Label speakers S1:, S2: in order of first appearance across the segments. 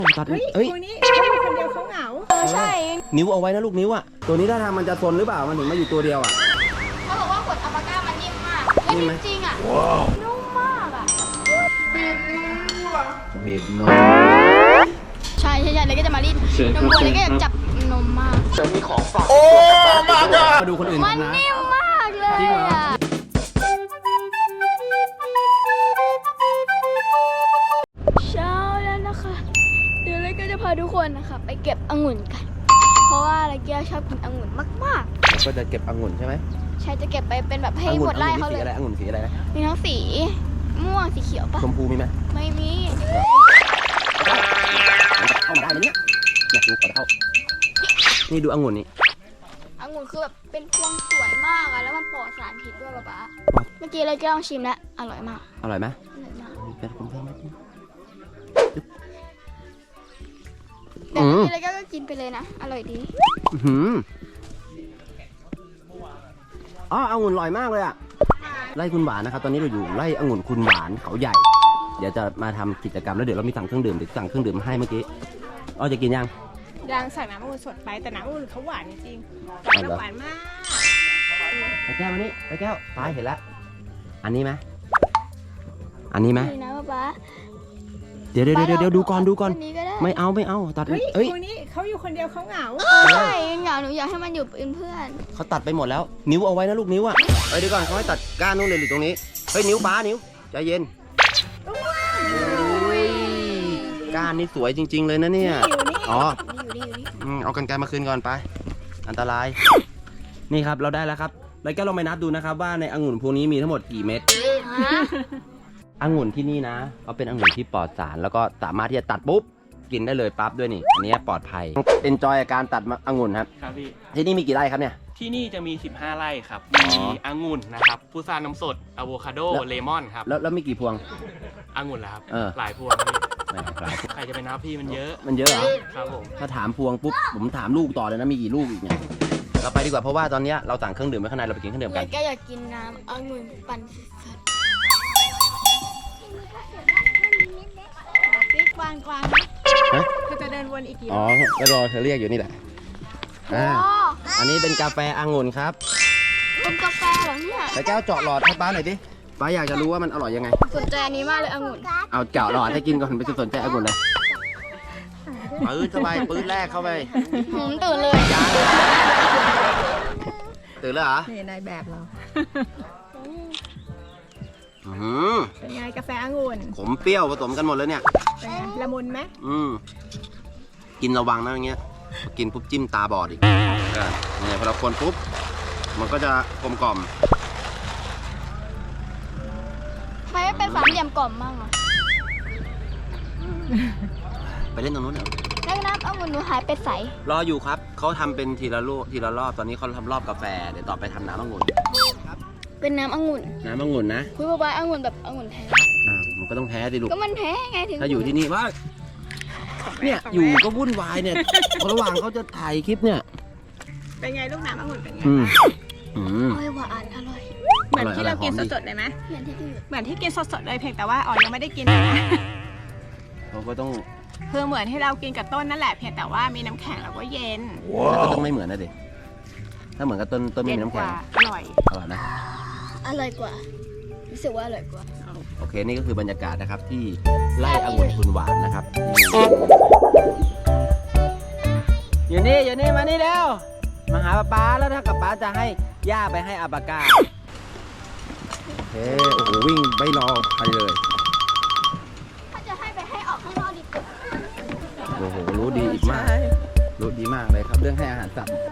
S1: ตัด
S2: เฮ้ย
S1: เอ้ย
S2: ตัวนี้เขาอยู่คนเดียวเขาเหงา
S3: ใช่
S1: นิ้วเอาไว้นะลูกนิ้วอ่ะตัวนี้ถ้าทางมันจะซนหรือเปล่ามันถึงมาอยู่ตัวเดียวอ่ะ
S3: เขาบอกว่าขวดอัลปาก้ามันนิ่มมากและ
S1: นิ่มไหม
S3: จริงๆอ่ะนุ่มมากอ่ะ
S1: เห็นนม
S3: ใช่เลยก็จะมารีดนมวัวเลยก็อยากจับนมมาก
S1: มาดูคนอื่น
S3: มัน
S1: ทำนะ
S3: นิ่มมากเลย
S1: จริงเหรอ
S3: อ่ะเช้าแล้วนะคะเดี๋ยวเลยก็จะพาทุกคนนะคะไปเก็บองุ่นกัน เพราะว่าอะไรเกียวชอบกินองุ่นมาก
S1: แล้วก็จะเก็บองุ่นใช่ไหม
S3: ๆใช่จะเก็บไปเป็นแบบให้หมดไร่เขาเลย
S1: องุ่นสีอะไรนะ
S3: มีทั้งสีม่วงสีเขียวปะ
S1: ชมพูมีไหม
S3: ไม่มี
S1: เข้ามาได้ไหมเนี่ยอยากดูก่อนเข้านี่ดูองุ่นนี่
S3: องุ่นคือแบบเป็นพวงสวยมากอะแล้วมันปลอดสารพิษด้วยป๊าเมื่อกี้เลยก็ลองชิมแล้วอร่อยมาก
S1: อร่อยไหม
S3: อร่อยมาก
S1: เป็นคนเพิ่มไหม
S3: แต่เมื่อกี้เลยก็กินไปเลยนะอร่อยดี
S1: อ๋อองุ่นอร่อยมากเลยอ่ะไร่คุณหวานนะครับตอนนี้เราอยู่ไร่องุ่นคุณหวานเขาใหญ่เดี๋ยวจะมาทำกิจกรรมแล้วเดี๋ยวเรามีสั่งเครื่องดื่มเดี๋ยวสั่งเครื่องดื่มมาให้เมื่อกี้อ๋อจะกินยัง
S2: ยังสั่งน้ำองุ่นสดไปแต่น้ำองุ่นเขาหวานจริงๆหวานมาก
S1: ไปแก้วมานี่ไปแก้วตายเห็นแล้วอันนี้ไหมอันนี้ไหม
S3: ดีนะป๊า
S1: เดี๋ยวดูก่อน
S3: อันนี้ก็ได้
S1: ไม่เอาตัด
S2: เฮ้ย
S1: เอ้ย
S2: ตัวนี้เขาอยู่คนเดียวเขาเหงา
S3: ใช่เหงาหนูอยากให้มันอยู่เป็นเพื่อน
S1: เขาตัดไปหมดแล้วนิ้วเอาไว้นะลูกนิ้วอ่ะเดี๋ยวก่อนเขาให้ตัดก้านนู้นเลยหรือตรงนี้เฮ้ยนิ้วป้านิ้วใจเย็นก้านนี่สวยจริงๆเลยนะเนี่ยอ๋อ
S3: อยู่นี่
S1: เอากรรไกรมาคืนก่อนไปอันตรายนี่ครับเราได้แล้วครับแล้วก็ลองไปนับดูนะครับว่าในองุ่นพวกนี้มีทั้งหมดกี่เม็ด
S3: ฮะ
S1: องุ่นที่นี่นะเขาเป็นองุ่นที่ปลอดสารแล้วก็สามารถที่จะตัดปุ๊บกินได้เลยปั๊บด้วยนี่อันนี้ปลอดภัยเอนจอยการตัดองุ่นครับ
S4: ครับพี่
S1: ที่นี่มีกี่ไร่ครับเนี่ย
S4: ที่นี่จะมี 15 ไร่ครับ
S1: อ๋อ
S4: มีองุ่นนะครับพุทราน้ำสดอะโวคาโด เลมอนครับ
S1: แล้วมีกี่พวง
S4: องุ่นแล้วครับ
S1: หลายพวง
S4: หลายพวงพี่ใครจะไปนับพี่มันเยอะ
S1: มันเยอะเหรอ
S4: ครับผม
S1: ถ้าถามพวงปุ๊บผมถามลูกต่อเลยนะมีกี่ลูกอีกเนี่ยเราไปดีกว่าเพราะว่าตอนนี้เราสั่งเครื่องดื่มไว้ข้างในเราไปกินเครื่องดื่ม
S3: เล
S1: กัน
S3: ยก็อยากกินน้ำองุ่นปั่นสดๆนี่กวาง
S1: ฮะ
S2: เขาจะเดินวนอีกกี่ร
S1: อ๋อ
S2: อบ
S1: ก็รอเธอเรียกอยู่นี่แหละ
S3: โอ้
S1: อันนี้เป็นกาแฟองุ่นครับ
S3: เป็นกาแฟเหรอเนี่ย
S1: แต่แก้วเจาะหลอดให้ป้าหน่อยดิป้าอยากจะรู้ว่ามันอร่อยยังไง
S3: สนใจอันนี้มากเลยองุ่น
S1: เอาเจาะหลอดให้กินก่อนไปสนใจองุ่นเลยปื้ดเข้าไปปื้ดแรกเข้าไป
S3: ตื่นเลย
S1: ตื่นแล้วเหรอ
S2: นี่นายแบบเรา
S1: อื้อหือ
S2: เป็นไงกาแฟองุ่น
S1: ขมเปรี้ยวผสมกันหมดเลยเนี่ย
S2: เป็นไงละมุนไหม
S1: กินระวังนะอย่างเงี้ยกินปุ๊บจิ้มตาบอดอีกเนี่ยพอเราคนปุ๊บมันก็จะกลมกล่อม
S3: ทำไมไม่เป็นสามเหลี่ยมกล่อมบ้างอ่ะ
S1: ไปเล่นตรงนู้นเถอะ
S3: แล้วน้ำองุ่นหนูหายไปใส
S1: รออยู่ครับเขาทำเป็นทีละลูกทีละรอบตอนนี้เขาทำรอบกาแฟเดี๋ยวต่อไปทำน้ำองุ่น
S3: เป็นน้ำองุ่น
S1: น้ำองุ่นนะ
S3: คุยบายองุ่นแบบองุ่นแท้
S1: มันก็ต้องแพ้ดิลูก
S3: ก็มันแท้ไงถึง
S1: ถ้าอยู่ที่นี่ว่าเนี่ยอยู่ก็วุ่นวายเนี่ยระหว่างเขาจะถ่ายคลิปเนี่ย
S2: เป็นไงลูกน้ำองุ่นเป็นไง
S3: อร่อยหวานอร่อย
S2: เหมือนที่เรากินสดๆเลยไหม
S3: เหมือนที่พี่
S2: เหมือนที่กินสดๆเลยเพียงแต่ว่าอ๋อยังไม่ได้กิน
S1: เขาก็ต้อง
S2: คือเหมือนที่เรากินกับต้นนั่นแหละเพียงแต่ว่ามีน้ำแข็งแล้วก็เย็น
S1: แล้วก็ต้องไม่เหมือนนะเด็ถ้าเหมือนกับต้นไม่
S2: เย็
S1: มี
S2: น
S1: น้ำ
S2: ก
S1: แข็ง
S2: ว่าอร่อย
S1: อร่อยนะ
S3: อร่อยกว่ารู้สึกว่าอร่อยกว่า
S1: โอเคนี่ก็คือบรรยากาศนะครับที่ไร่องุ่นคุณหวานนะครับอยู่นี่มานี่เร็วมาหาป๊าแล้วถ้ากับป๊าจะให้ย่าไปให้อาบากาโอ้โหวิ่งไม่รอใครเลย
S3: ถ้าจะให้ไปให้ออกข้างนอกดีกว่า
S1: โอ้โหรู้ดีอีกมากรู้ดีมากเลยครับเรื่องให้อาหารสัตว์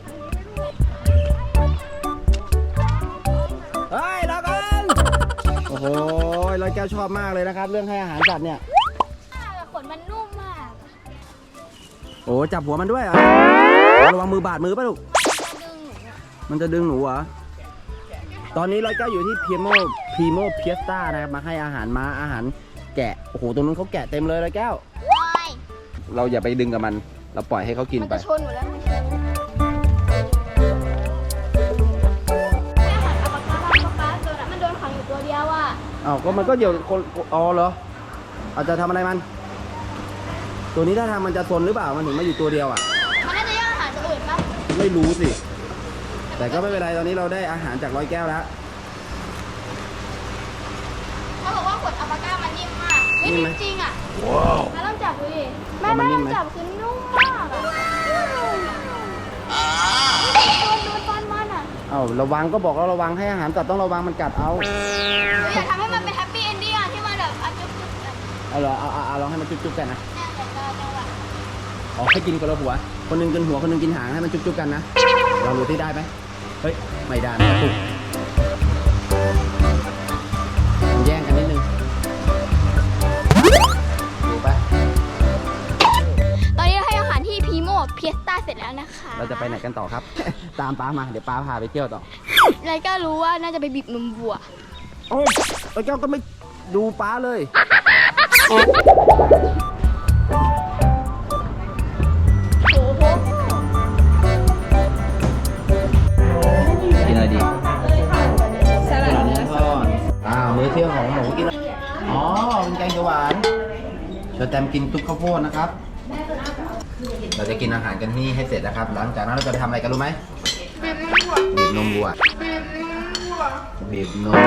S1: เฮ้ยรอกันโอ้โหร้อยแก้วชอบมากเลยนะครับเรื่องให้อาหารสัตว์เนี่ย
S3: ขนมันนุ่มมาก
S1: โอ้จับหัวมันด้วยเหรอระวังมือบาดมือป่ะลูก มันจะดึงหนูเหรอ ตอนนี้ร้อยแก้วอยู่ที่พีโมเพียสต้านะครับมาให้อาหารม้าอาหารแกะ โอ้โหตรงนู้นเขาแกะเต็มเลยร้อยแก้ว เราอย่าไปดึงกับมัน เราปล่อยให้เขากิน
S3: มัน
S1: ไป
S3: จะชนหนูแล้วมันชนให้อาหารอัลปาก้าตัวนั้นมันโดนขังอยู่ตัวเดียวอ่ะ
S1: อ้าวก็มันก็เดี๋ยวคนอ๋อเหรออาจจะทำอะไรมันตัวนี้ถ้าทางมันจะซนหรือเปล่ามันถึงมาอยู่ตัวเดียวอ่ะ
S3: มันน่าจะย่างอาหารตัวอื่นปะ
S1: ไม่รู้สิ แต่ก็ไม่เป็นไรตอนนี้เราได้อาหารจากร้อยแก้วแล้ว
S3: เขาบอกว่าขวดอัลปาก้ามันนิ่มมากไม่
S1: นิ่มไหม
S3: จริงอ่ะ
S1: ว้าว
S3: แม่ต้องจับดูดิแม่
S1: แล้วมันนิ่
S3: ต้
S1: ม
S3: อง
S1: ไหม
S3: จับคือนุ่มมากอ่ะดูฟันมันอ่ะ
S1: เอาระวังก็บอกเราระวังให้อาหารสัตว์ต้องระวังมันกัดเอา
S3: หนูอยากทำให้มันเป็นแฮปปี้เอนดิ้งอ่ะที่มันแบบอ่ะจุ๊บๆแบบ
S1: เอาเหรอเอาลองให้มันจุ๊บๆกันนะ
S3: แน่แต่เราจะแบบ
S1: อ๋อให้กินคนละหัว คนหนึงกินหัวคนหนึงกินหางให้มันจุ๊บๆกันนะลองดูที่ได้ไหมเฮ้ยไม่ได้ไม่ถูกมันแย่งกันนิดนึงดูไป
S3: ตอนนี้เราให้อาหารที่พีโมเพียสต้าเสร็จแล้วนะคะ
S1: เราจะไปไหนกันต่อครับ ตามป้ามาเดี๋ยวป้าพาไปเที่ยวต่อ
S3: ไรก็รู้ว่าน่าจะไปบีบนมวัว
S1: โอ้ยแล้วแก้วก็ไม่ดูป้าเลยกินอะไรดี
S2: สลัดเนื้อ
S1: ทอดมื้อเที่ยงของหนูกินอะไรอ๋อเป็นแกงเขียวหวานเชิญแตมกินตุ๊กข้าวโพดนะครับ เราจะกินอาหารกันนี่ให้เสร็จนะครับ หลังจากนั้นเราจะไปทำอะไรกันรู้ไหมบีบนมวัวบีบนม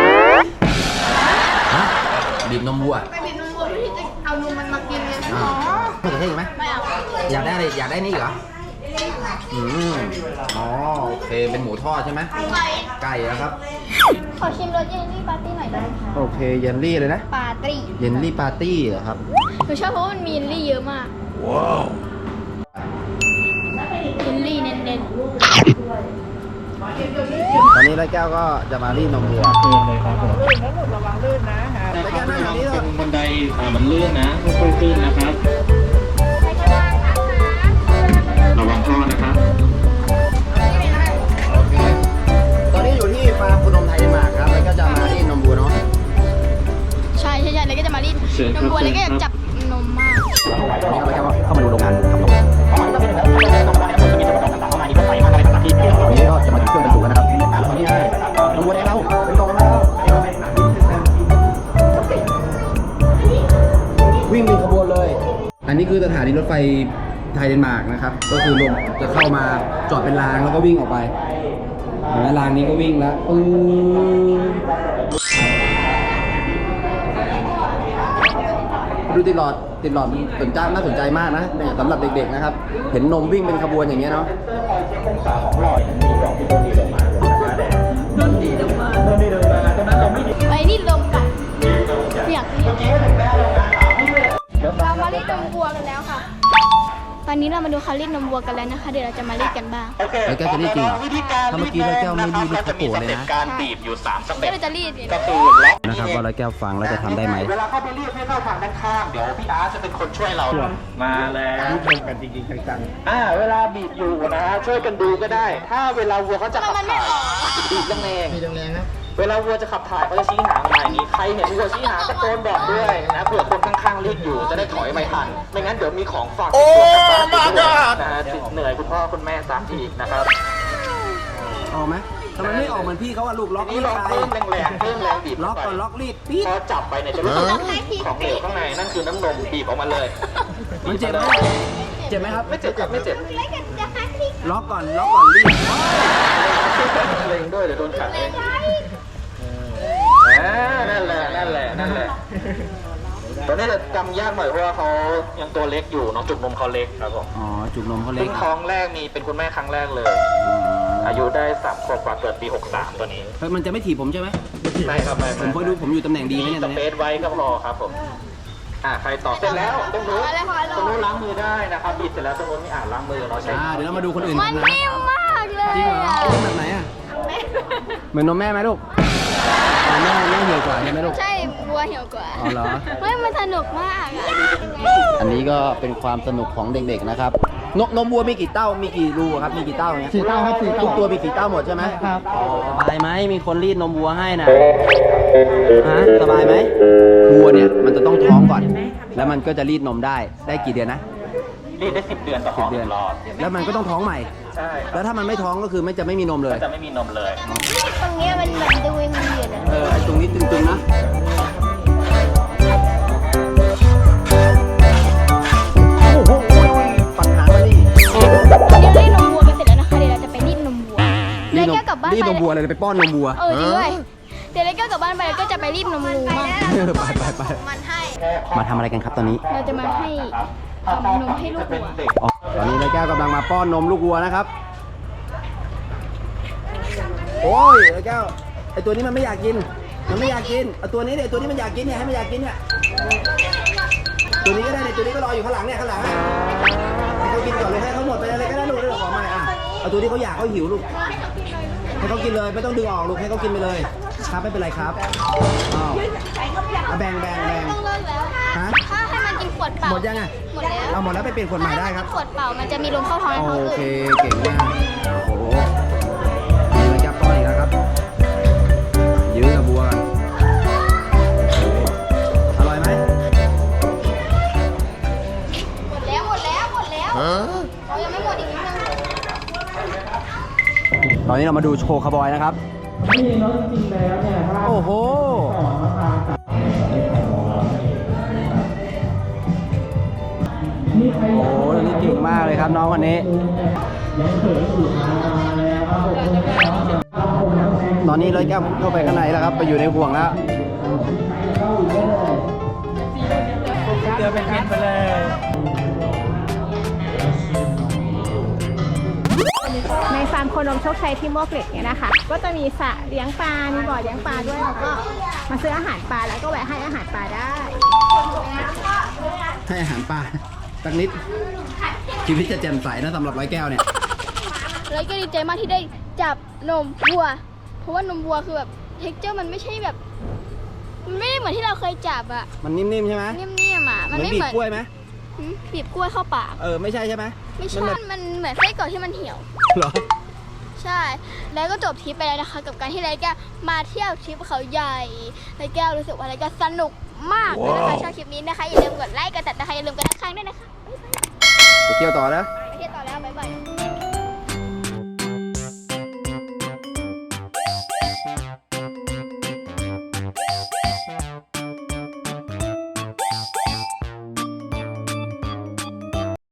S1: ฮะบีบนมวัว
S3: ไปบีบนมวัวที่จะเอานมมันมากินไง
S1: ไม่เกิดเท่ไหม
S3: ไม่เอา
S1: อยากได้อะไรอยากได้นี่เหรออ๋อโอเคเป็นหมูทอดใช่ไหมไก่นะครับ
S3: ขอชิมรสเยลลี่ปาร์ตี้หน่อยได้ไหมคะ
S1: โอเคเยลลี่เลยนะ
S3: ปาร์ตี้
S1: เยลลี่ปาร์ตี้เหรอครับ
S3: หนูชอบเพราะว่ามันมีเยลลี่เยอะมาก
S1: ว้าว
S3: เยลลี่เน้น
S1: ตอนนี้ร้อยแก้วก็จะมารีดนมวัว
S4: ลื่นเลยครับผม
S2: ระวังลื่นนะฮะ
S1: ร้อยแก้วนั่งแบบนี้เลย
S4: เป็นบันไดมันลื่นนะค่อยๆขึ้นนะครับ
S3: ๆใครก็ได้นะคะ
S4: ระวังท่อนะครับ
S1: โอเคตอนนี้อยู่ที่ฟาร์มคุณนมไทยเดนมาร์กครับแล้วก็จะมารีดนมวัวเนาะ
S3: ใช่เลยก็จะมารีด
S4: เชิญ
S3: น
S4: ครั
S3: ม
S4: บ
S3: วัวเลยก็อยากจับนมมาก
S1: วันนี้เราแค่เข้ามาดูโรงงานทำนมวันนี้ก็จะมาถึงเครื่องบรรจุแล้วนะครับนี่ไงนมวัวได้แล้วเป็นกล่องแล้ววิ่งเป็นขบวนเลย อันนี้คือสถานีรถไฟไทยเดนมาร์กนะครับ ก็คือลงจะเข้ามาจอดเป็นรางแล้วก็วิ่งออกไปเห็นไหมรางนี้ก็วิ่งแล้วดูติดหลอดมันน่าสนใจมากนะเนี่ยสำหรับเด็กๆนะครับ เห็นนมวิ่งเป็นขบวนอย่างเงี้ยเนาะ
S3: ไปรีดนมกันอยากรีดเรามารีดนมวัวกันแล้วค่ะ ตอนนี้เรามาดูเขารีดนมวัวกันแล้วนะคะ เดี๋ยวเราจะมารีดกันบ้าง
S1: แล้วแก้วจะรีดจริงเหรอถ้าเมื่อกี้ร้อยแก้วไม่รีดนี่เขาโกรธเลยนะ
S4: การบีบอยู่3สเต็
S3: เดี๋ยว
S4: ป
S3: เราจะรีดเนี่ย
S4: ก็คือล็อก
S1: นะครับว่าร้อยแก้วฟังแล้วจะทำได้ไหม
S4: เวลาเข้าไปเรียกให้เข้าทางด้านข้างเดี๋ยวพี่อาร์ตจะเป็นคนช่วยเรา มาแล้วชมกันจริงๆจังๆเวลาบีบอยู่นะช่วยกันดูก็ได้ ถ้าเวลาวัวเขาจะขับถ่ายบีบแรงๆนะเวลาวัวจะขับถ่ายเขาจะชี้หางมาอย่างนี้ใครเห็นวัวชี้หางตะโกนบอกด้วยนะเผื่อคนข้างๆเรียกอยู่จะได้ถอยไม่ทันไม่งั้นเดี๋ยวมีของฝากโอ้มาดนะฮะเหนื่อยคุณพ่อคุณแม่ตามทีนะครับ
S1: ออกไหมทำไมไม่ออกเหมือนพี่เขาอะลูกล็อก
S4: ที
S1: รี
S4: นี้
S1: ด
S4: ลอง
S1: ไป
S4: เพิ่มแรงๆเพิ่มแรงบีบ
S1: ล็อกก่อนล็อกรีดปี๊ด
S4: พอจับไปเนี่ยจะรู้สึกของเหลวข้างในนั่นคือน้ำนมบีบออกมาเลย
S1: มันเจ็บไหมเจ็บไหมครับ
S4: ไม่เจ็บครับไม่เจ็บ
S1: ล็อกก่อนรีด
S4: เล็งด้วยเดี๋ยวโดนขัดเองนั่นแหละตอนนี้จะจำยากหน่อยเพราะว่าเขายังตัวเล็กอยู่น้องจุกนมเขาเล็กครับผม
S1: อ๋อจุกนมเขาเล็
S4: เพิ่
S1: ก
S4: งท้องแรกมีเป็นคุณแม่ครั้งแรกเลย อายุได้3 ขวบกว่าเกิดปี 63ตัวนี้
S1: เฮ้ยมันจะไม่ถีบผมใช่ไหม
S4: ไม่ครับไม่
S1: ผมคอยดูผมอยู่ตำแหน่งดีไหม
S4: มี
S1: เนี่ย
S4: ส
S1: ตอน
S4: เป
S1: นี้
S4: ซไว้ก็พอครับผมใครต่อเสร็จแล้วตรงนู้นล้างมือได้นะครับบีบเสร็จแล้วตรงนู้นไม่ล้างมือเราใช้
S1: เดี๋ยวเรามาดูคนอื่น
S3: มัน
S1: นะ
S3: นิ่มมากเลย
S1: จริงเหรอเป็นแบบไหนอะเหมือนนมแม่ไหมลูกแม่เหี่ยวกว่าใช่ไหมลูก
S3: ใช่วัวเหี่ยวกว่า
S1: อ๋อเหรอ
S3: เฮ้ยมันสนุกมากอะ
S1: อันนี้ก็เป็นความสนุกของเด็กๆนะครับนมวัวมีกี่เต้ามีกี่รูครับมีกี่เต้าเนี่ย
S5: 4 เต้าครับ4 เต้า
S1: ทุกตัวมีกี่เต้าหมดใช่ไหม
S5: ครับ
S1: สบายไหมมีคนรีดนมวัวให้นะฮะสบายไหมวัวเนี่ยมันจะต้องท้องก่อน แล้วมันก็จะรีดนมได้กี่เดือนนะ
S4: รีดได้10 เดือนต่อ
S1: 10 เดือน
S4: รอบ
S1: แล้วมันก็ต้องท้องใหม่
S4: ใช่
S1: แล้วถ้ามันไม่ท้องก็คือจะไม่มีนมเลย
S4: จะไม่มีนมเลย
S3: ตรงเนี้ยมันแบบดูวิงเวียนอะ
S1: ไอ้ตรงนี้ตึงๆนะรีบนมวัวเลยไปป้อนนมวัว
S3: จริงด้วยเดี๋ยวแล้วก็กลับบ้านไปแล้วก็จะไปรีบนมงูมั่ง
S1: ไป
S3: มันให้
S1: มาทำอะไรกันครับตอนนี้
S3: เราจะมาให้นมให้ลูกวัว
S1: อ๋อตอนนี้ร้อยแก้วกำลังมาป้อนนมลูกวัวนะครับ โอ้ยร้อยแก้วไอตัวนี้มันไม่อยากกิน มันไม่อยากกินเอาตัวนี้เนี่ยตัวนี้มันอยากกินเนี่ยให้มันอยากกินเนี่ยตัวนี้ก็ได้เนี่ยตัวนี้ก็รออยู่ข้างหลังเนี่ยข้างหลังอะให้เขากินก่อนเลยให้เขาหมดไปเลยก็ได้ลูกเดี๋ยวขอใหม่อ่ะเอาตัวที่เขาอยากเขาหิวลูกให้เขากินเลยไม่ต้องดึงออกลูกให้เขากินไปเลยครับไม่เป็นไรครับอ้าวเอาแบ่ง
S3: ต้องเลิกแล้ว
S1: ฮะ
S3: ถ้าให้มันกินขวดเปล่า
S1: หมดยังอ่ะ
S3: หมดแล้ว
S1: เอาหมดแล้วไปเปลี่ยนขวดใหม่ได้ครับ
S3: ขวดเปล่ามันจะมีลมเข้าท้องให้ท้อง
S1: โอ
S3: อืด
S1: เคเก่งมากโอ้โหนี่มันจับป้อนอีกแล้วครับยื้อกับบัวกันอร่อยไหม
S3: หมดแล้วเรายังไม่หมดอีกนิดนึง
S1: ตอนนี้เรามาดูโชว์คาร์บอยนะครับโอ้โหโอ้โหตอนนี้เก่งมากเลยครับน้องคนนี้ตอนนี้ร้อยแก้วเข้าไปข้างในแล้วครับไปอยู่ในห่วงแล้วเจอเป็นพิษไปเลย
S2: ในฟาร์มโคนมโชคชัยที่มวกเหล็กเนี่ยนะคะ ก็จะมีสระเลี้ยงปลา มีบ่อเลี้ยงปลาด้วย แล้วก็มาซื้ออาหารปลาแล้วก็แวะให้อาหารปลาได้
S1: ให้อาหารปลาสักนิดชีวิตจะแจ่มใสนะสำหรับร้อยแก้วเนี่ย
S3: แล้วก็ดีใจมากที่ได้จับนมวัว เพราะว่านมวัวคือแบบเท็กเจอร์มันไม่ใช่แบบ มันไม่ได้เหมือนที่เราเคยจับอะ
S1: มันนิ่มๆใช่ไหม
S3: นิ่มๆอะ
S1: เห
S3: มัน
S1: มือน
S3: ไม่
S1: บี
S3: เห
S1: บ
S3: มือน
S1: กล้วยไหม
S3: บีบกล้วยเข้าปาก
S1: ไม่ใช่ใช่ไหม
S3: ไม่ใช่ มันเหมือนไส้กรอกที่มันเหี่ยว
S1: เหรอ
S3: ใช่ แล้วก็จบทริปไปแล้วนะคะ กับการที่ไรแก้วมาเที่ยวทริปเขาใหญ่ไรแก้วรู้สึกว่าไรแก้วสนุกมากเลยนะคะชอบคลิปนี้นะคะอย่าลืมกดไลค์กดติดตามนะคะอย่าลืมกดติดตามด้วยนะคะ
S1: ไปเที่ยวต่อนะ